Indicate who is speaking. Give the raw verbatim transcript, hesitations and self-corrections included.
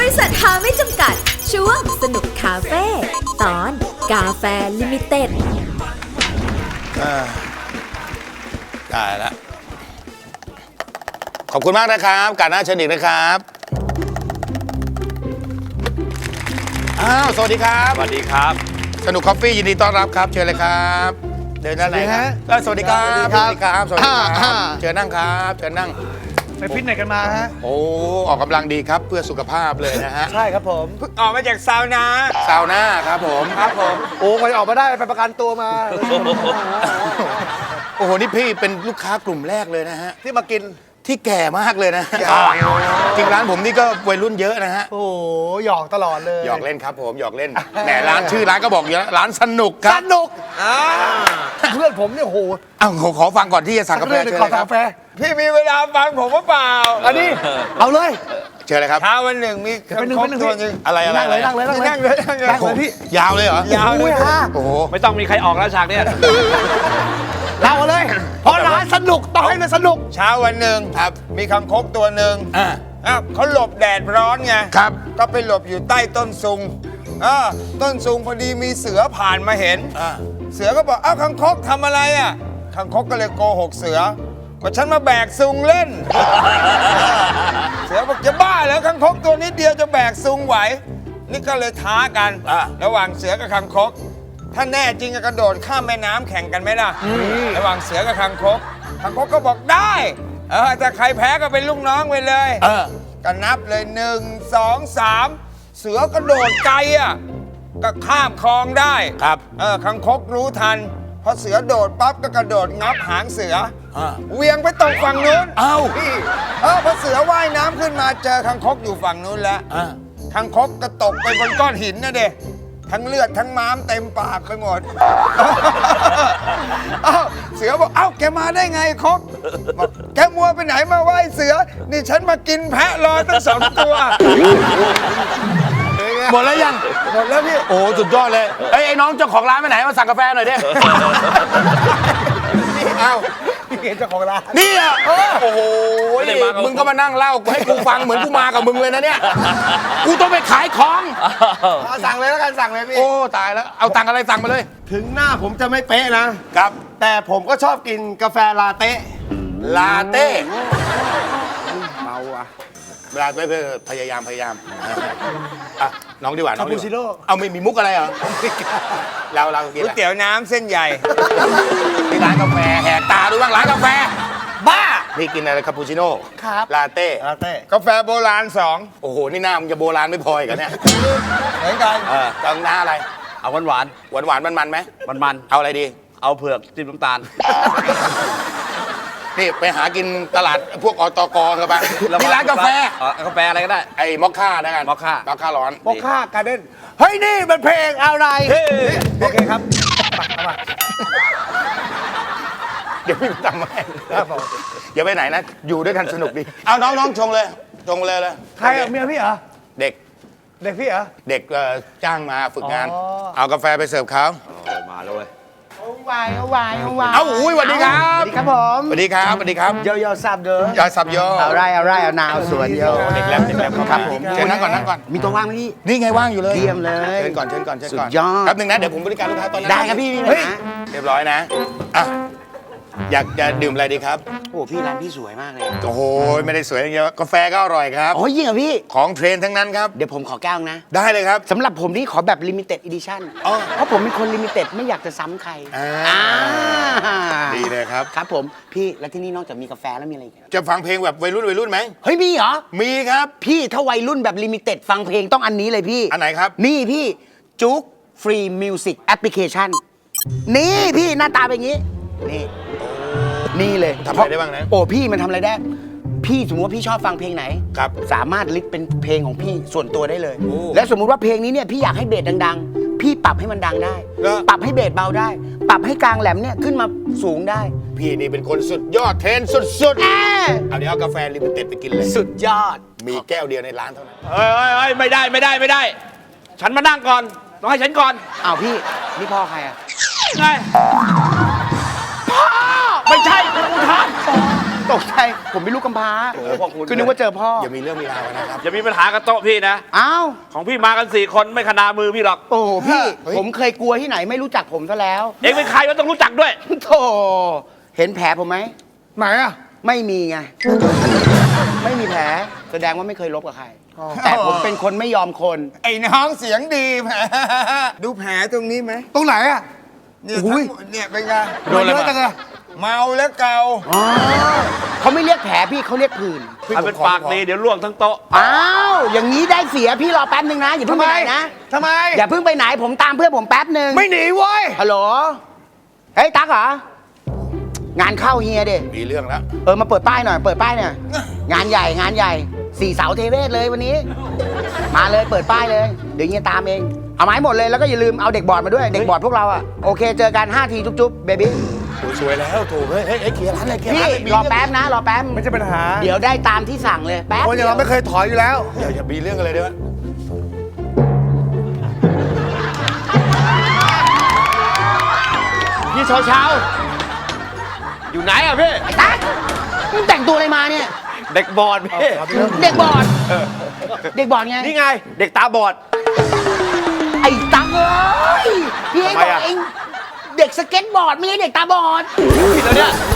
Speaker 1: ริษัทหาไม่จำกัดช่วงสนุกคาเฟ่ตอนกาแฟลิมิเต็ด
Speaker 2: ได้แล้วขอบคุณมากนะครับการหน้าเชิญอีกนะครับอ้าวสวัสดีครับ
Speaker 3: สวัสดีครับ
Speaker 2: สนุกคอฟฟี่ยินดีต้อนรับครับเชิญเลยครับเดินด้านไหนครับสวัสดีครับสวัสดีครับสวัสดีครับเชิญนั่งครับเชิญนั่ง
Speaker 4: ไปฟิตเนสกันมาฮะ
Speaker 2: โอ้ออกกำลังดีครับเพื่อสุขภาพเลยนะฮะ
Speaker 4: ใช่ครับผม
Speaker 3: เพิ่งออกมาจากซาวนา
Speaker 2: ซาวน่าครับผม
Speaker 4: ครับผมโอ้ก่อนออกมาได้ไปประกันตัวมา
Speaker 2: โอ้โหนี่พี่เป็นลูกค้ากลุ่มแรกเลยนะฮะ
Speaker 4: ที่มากิน
Speaker 2: ที่แก่มากเลยนะจริงร้านผมนี่ก็วัยรุ่นเยอะนะฮะ
Speaker 4: โอ้หยอกตลอดเลย
Speaker 2: หยอกเล่นครับผมหยอกเล่นแหมร้านชื่อร้านก็บอกอยู่แล้วร้านสนุกครับ
Speaker 4: สนุกเพื่อนผมเนี่ยโห
Speaker 2: อ้าวขอฟังก่อนที่จะสั่งกาแฟเชิญเลยครับ
Speaker 3: พี่มีเวลาฟังผมหรือเปล่า
Speaker 4: อันนี้เอาเลย
Speaker 2: เชิญเลยครับ
Speaker 3: เช้าวันหนึ่งมีคำคมตัวนึง
Speaker 2: อะไรอะไร
Speaker 4: นั่งเลยนั่งเลยนั่งเลย
Speaker 3: นั่งเลยนั่งเลย
Speaker 4: พี่
Speaker 2: ยาวเลยเหรอย
Speaker 4: าวเลย
Speaker 2: โอ้โห
Speaker 3: ไม่ต้องมีใครออกแล้วฉากเนี้ย
Speaker 4: เล่าเลยเพราะร้านสนุกต้องให้มันสนุก
Speaker 3: เช้าวันหนึ่งครับมีคำคบตัวหนึ่ง
Speaker 2: อ่า
Speaker 3: อ้าวเขาหลบแดดร้อนไง
Speaker 2: ครับ
Speaker 3: ก็ไปหลบอยู่ใต้ต้นซุงอ่าต้นซุงพอดีมีเสือผ่านมาเห็น
Speaker 2: อ่า
Speaker 3: เสือก็บอกอ้าวคังคกทำอะไรอ่ะคังคกก็เลยโกหกเสือว่าฉันมาแบกซุงเล่น เสือบอกจะบ้าแล้วคังคกตัวนิดเดียวจะแบกซุงไหวนี่ก็เลยท้ากันระหว่างเสือกับคังคกถ้าแน่จริงก็กระโดดข้ามแม่น้ำแข่งกันไหมล่ะระหว่างเสือกับคังคกคังคกก็บอกได้เออถ้าใครแพ้ก็เป็นลูกน้องไปเลย
Speaker 2: เออ
Speaker 3: ก็นับเลยหนึ่งสองสามเสือกระโดดไกลอ่ะก็ข้ามคลองได้
Speaker 2: ครับ
Speaker 3: เออคังคกรู้ทันพอเสือโดดปั๊บก็กระโดดงับหางเสือเวียงไปตรงฝั่งนู้น
Speaker 2: เอ้า
Speaker 3: พี่เออพอเสือว่ายน้ำขึ้นมาเจอคังคกอยู่ฝั่งนู้นแล้วคังคกก็ตกไปบนก้อนหินนะเด็ทั้งเลือดทั้งม้ามเต็มปากไปหมดเอ้าเสือบอกเอ้าแกมาได้ไงคกบอกแกมัวไปไหนมาไหว้เสือนี่ฉันมากินแพะรอตั้งสองตัว
Speaker 2: หมดแล้วยัง
Speaker 3: หมดแล้วพี่
Speaker 2: โอ้สุดยอดเลยไอ้ไอ้น้องเจ้าของร้านไปไหนมาสั่งกาแฟหน่อยดิ
Speaker 4: เอ้าพี่เจ้าของร้าน
Speaker 2: นี่อ่ะโอ้โหมึงก็มานั่งเล่าให้กูฟังเหมือนกูมากับมึงเลยนะเนี่ยกูต้องไปขายของ
Speaker 4: สั่งเลยแล้วกันสั่งเลยพี่
Speaker 2: โอ้ตายแล้วเอาตังค์อะไรสั่งมาเลย
Speaker 4: ถึงหน้าผมจะไม่เป๊ะนะครับแต่ผมก็ชอบกินกาแฟลาเต้
Speaker 2: ลาเต้
Speaker 4: เมาอ่ะ
Speaker 2: ลาเต้พยายามพยายามอ่ะน้องดีกว่าน้อง
Speaker 4: ดีกว่า
Speaker 2: เอาไม่มีมุกอะไรเหรอเราเรากิน
Speaker 3: ก๋วยเตี๋ยวน้ำเส้นใหญ่
Speaker 2: ที่ร้านกาแฟแหกตาดูบ้างร้านกาแฟ
Speaker 4: บ้า
Speaker 2: พี่กินอะไรคาปูชิโน่
Speaker 4: ครับ
Speaker 2: ลาเต้
Speaker 4: ลาเต้
Speaker 3: กาแฟโบราณสอง
Speaker 2: โอ้โหนี่หน้ามึงจะโบราณไม่พออีกเนี่ย
Speaker 3: เหมือนกัน
Speaker 2: เออต้องหน้าอะไร
Speaker 3: เอาหวานหวาน
Speaker 2: หวานหวานมันมันไหม
Speaker 3: มันมัน
Speaker 2: เอาอะไรดี
Speaker 3: เอาเผือกจิ้มน้ำตาล
Speaker 2: นี่ไปหากินตลาดพวกอตกครับบ้างที่ร้านกาแฟ
Speaker 3: กาแฟอะไรก็ได้
Speaker 2: ไอ้มอคค่านะกัน
Speaker 3: มอคค่าม
Speaker 2: อคค่าร้อน
Speaker 4: มอคค่าการ์เด้นเฮ้ยนี่มันเพลงอะไรโอเคครับมา
Speaker 2: เดี๋ยวพี่ทำให้อย่าไปไหนนะอยู่ด้วยกันสนุกดีเอาน้องน้องชงเลยชงเลยเลย
Speaker 4: ใครเมียพี่เหรอ
Speaker 2: เด็ก
Speaker 4: เด็กพี่เหรอ
Speaker 2: เด็กจ้างมาฝึกงานเอากาแฟไปเสิร์ฟเขา
Speaker 3: มาเลย
Speaker 4: เอาวายเอาวายเอาวาย
Speaker 2: เอาอุ้ยสวัสดีครับ
Speaker 4: สวัสดีครับผม
Speaker 2: สวัสดีครับสวัสดีครับ
Speaker 4: โยโย่ซับเด้
Speaker 2: อยาซับโย
Speaker 4: เอาไรเอาไรเอานาวสวนโย
Speaker 2: เด็กแรปเด็กแรปครับผมเชิญนั่งก่อนนั่งก่อน
Speaker 4: มีตัวว่างไหมพี่
Speaker 2: นี่ไงว่างอยู่เลย
Speaker 4: เยี่ยมเลย
Speaker 2: เชิญก่อนเชิญก่อนเชิญก่อน
Speaker 4: สุดยอด
Speaker 2: แป๊บนึงนะเดี๋ยวผมบริการลูกค้าตอนนั้น
Speaker 4: ได้ครับพี่
Speaker 2: เฮ้ยเรียบร้อยนะอ่ะอยากจะดื่มอะไรดีครับ
Speaker 4: โอ้พี่ร้านพี่สวยมากเลย
Speaker 2: โอ้โหไม่ได้สวยอย่างเดียวกาแฟก็อร่อยครับ
Speaker 4: โอ้ยยิ่งอ่ะพี่
Speaker 2: ของเทรนทั้งนั้นครับ
Speaker 4: เดี๋ยวผมขอแก้วนะ
Speaker 2: ได้เลยครับ
Speaker 4: สำหรับผมนี่ขอแบบลิมิเต็ดอีดิชั่นเพราะผมเป็นคนลิมิเต็ดไม่อยากจะซ้ำใคร
Speaker 2: ดีเลยครับ
Speaker 4: ครับผมพี่แล้วที่นี่นอกจากมีกาแฟแล้วมีอะไรอีก
Speaker 2: จะฟังเพลงแบบวัยรุ่นวัยรุ่นไหม
Speaker 4: เฮ้ยมีเหรอ
Speaker 2: มีครับ
Speaker 4: พี่ถ้าวัยรุ่นแบบลิมิเต็ดฟังเพลงต้องอันนี้เลยพี่
Speaker 2: อันไหนครับ
Speaker 4: นี่พี่จุ๊กฟรีมิวสิกแอปพลิเคชันนี่พี่หน้าตาเป็นอย่างนี้นี่นี่เลย
Speaker 2: ทำอะไรได้บ้างนะ
Speaker 4: โอ้พี่มันทำอะไรได้พี่สมมติว่าพี่ชอบฟังเพลงไหน
Speaker 2: ครับ
Speaker 4: สามารถลิสต์เป็นเพลงของพี่ส่วนตัวได้เลยและสมมุติว่าเพลงนี้เนี่ยพี่อยากให้เบสดังๆพี่ปรับให้มันดังได้ปรับให้เบสเบาได้ปรับให้กลางแหลมเนี่ยขึ้นมาสูงได้
Speaker 2: พี่นี่เป็นคนสุดยอดเทรนสุดๆเอาเดี๋ยวเอากาแฟลิมิเต็ดไปกินเลย
Speaker 4: สุดยอด
Speaker 2: มีแก้วเดียวในร้านเท่านั้น
Speaker 3: เฮ้ยเฮ้ยไม่ได้ไม่ได้ไม่ได้ฉันมานั่งก่อนต้องให้ฉันก่อน
Speaker 4: อ้าวพี่นี่พ่อใครอ่ะ
Speaker 3: ไงพ่อไม่ใช่คุณอุทัย
Speaker 4: ตกใจผมเป็นลูกกำพร้า
Speaker 5: โอ้โหพวกคุณ
Speaker 4: คือนึกว่าเจอพ่อ
Speaker 2: อย่ามีเรื่องมีราวกันนะครับ
Speaker 5: อย่ามีปัญหากับโต๊ะพี่นะ
Speaker 4: อ้าว
Speaker 5: ของพี่มากันสี่คนไม่ขนามือพี่หรอก
Speaker 4: โอ้โหพี่
Speaker 2: เฮ้ย
Speaker 4: ผมเคยกลัวที่ไหนไม่รู้จักผมซะแล้ว
Speaker 5: เองเป็นใครวะต้องรู้จักด้วย
Speaker 4: โธ่เห็นแผลผมไหม
Speaker 3: ไหนอ่ะ
Speaker 4: ไม่มีไง ไม่มีแผลแสดงว่าไม่เคยลบกับใคร แต่ผมเป็นคนไม่ยอมคน
Speaker 3: ไอ้น้องเสียงดีแหมดูแผลตรงนี้ไหม
Speaker 6: ตรงไหนอ่ะ
Speaker 3: เนี่ย
Speaker 6: อุ้
Speaker 3: ทั้
Speaker 6: ย
Speaker 3: งหมดเนี่ยเป็นไง
Speaker 6: โดนอะไรมา
Speaker 3: เมาแล้วเกา
Speaker 4: อ๋อเขาไม่เรียกแผลพี่เขาเรียกผื่น
Speaker 5: ถ้าเป็นปากดีเดี๋ยวล่วงทั้งโต๊ะ
Speaker 4: อ้าวอย่างนี้ได้เสียพี่รอแป๊บนึงนะอย่าเพิ่งไปไหนนะ
Speaker 6: ทำไม
Speaker 4: อย่าเพิ่งไปไหนผมตามเพื่อนผมแป๊บนึง
Speaker 6: ไม่หนีเว้ย
Speaker 4: ฮัลโหลเฮ้ยตั๊กเหรอ งานเข้าเฮียดิ
Speaker 2: มีเรื่องแล้ว
Speaker 4: เออมาเปิดป้ายหน่อยเปิดป้ายเนี่ยงานใหญ่งานใหญ่สี่เสาเทเวศเลยวันนี้ มาเลยเปิดป้ายเลยเดี๋ยวเฮียตามเองเอาไม้หมดเลยแล้วก็อย่าลืมเอาเด็กบอร์ดมาด้วยเด็กบอร์ดพวกเราอะโอเคเจอกันห้าทีจุ๊บๆเบบี้
Speaker 2: โอ้ยสวยแล้วถูกเฮ้ยเฮ้ยเฮ้ยเคลียร์ร้านเลยเคลียร์
Speaker 4: พี่
Speaker 2: ร้านเลยมี
Speaker 4: รอ
Speaker 2: เง
Speaker 4: แป๊บนะรอแป๊บ
Speaker 6: ไม่ใช่ปัญหา
Speaker 4: เดี๋ยวได้ตามที่สั่งเลยแป๊บ
Speaker 6: คนอย่างเราไม่เคยถอยอยู่แล้ว
Speaker 2: อย่าอย่ามีเรื่องกันเลยด้วย
Speaker 5: พี่เช้าเช้าอยู่ไหนอ่ะพี่
Speaker 4: ไอ้ตั๊กมึงแต่งตัวอะไรมาเนี่ย
Speaker 5: เด็กบอดพี่
Speaker 4: เด็กบอร์ดเด็กบอร์ดไง
Speaker 5: นี่ไง เด็กตาบอด
Speaker 4: ไอ้ตั๊กเอ้ยพี่ให้
Speaker 5: ทำไม
Speaker 4: บอก
Speaker 5: อะ
Speaker 4: เองเด็กสเก็ตบอร์ดไม่ใช่เด็กตาบอด
Speaker 5: ผิดแล้วเนี่ย
Speaker 4: เ